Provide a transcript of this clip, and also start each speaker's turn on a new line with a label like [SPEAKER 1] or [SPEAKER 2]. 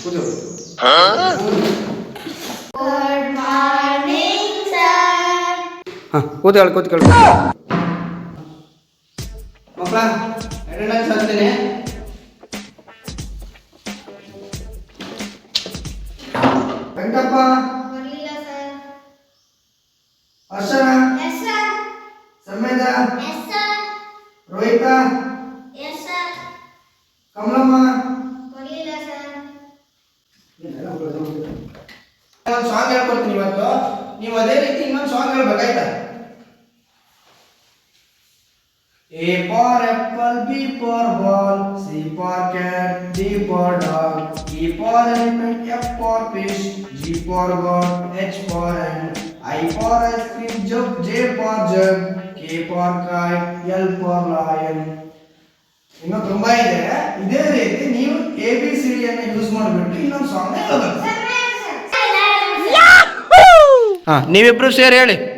[SPEAKER 1] Good morning sir.
[SPEAKER 2] ಕೂತ್ಕೊಳ್ಳಿ ಮಕ್ಕಳ attendance ಹಾಕ್ತೇನೆ. ವೆಂಕಟಪ್ಪ,
[SPEAKER 1] ಬರಲಿಲ್ಲ sir.
[SPEAKER 2] Harshana,
[SPEAKER 1] yes sir.
[SPEAKER 2] Sameta,
[SPEAKER 1] yes sir.
[SPEAKER 2] Rohita,
[SPEAKER 1] yes sir.
[SPEAKER 2] Kamalamma,
[SPEAKER 1] ಬರಲಿಲ್ಲ ಸರ್.
[SPEAKER 2] ಒಂದು ಸಾಂಗ್ ಹೇಳ್ಕೊಡ್ತೀನಿ ಇವತ್ತು. ನೀವು ಅದೇ ರೀತಿ ಇನ್ನೊಂದು ಸಾಂಗ್ ಹೇಳ್ಬೇಕಾಯ್ತಾ? A for apple, B for ball, C for cat, D for dog, E for elephant, F for fish, G for god, H for hand, I for ice cream, J for jug, K for kite, L for lion. ಇನ್ನು ತುಂಬಾ ಇದೆ. ಇದೇ ರೀತಿ ನೀವು ABCD ಅನ್ನು use ಮಾಡಿಬಿಟ್ಟು ಇನ್ನೊಂದು song ಹೇಳ್ಬೇಕು. ನೀವಿಬ್ರು ಸೇರಿ ಹೇಳಿ.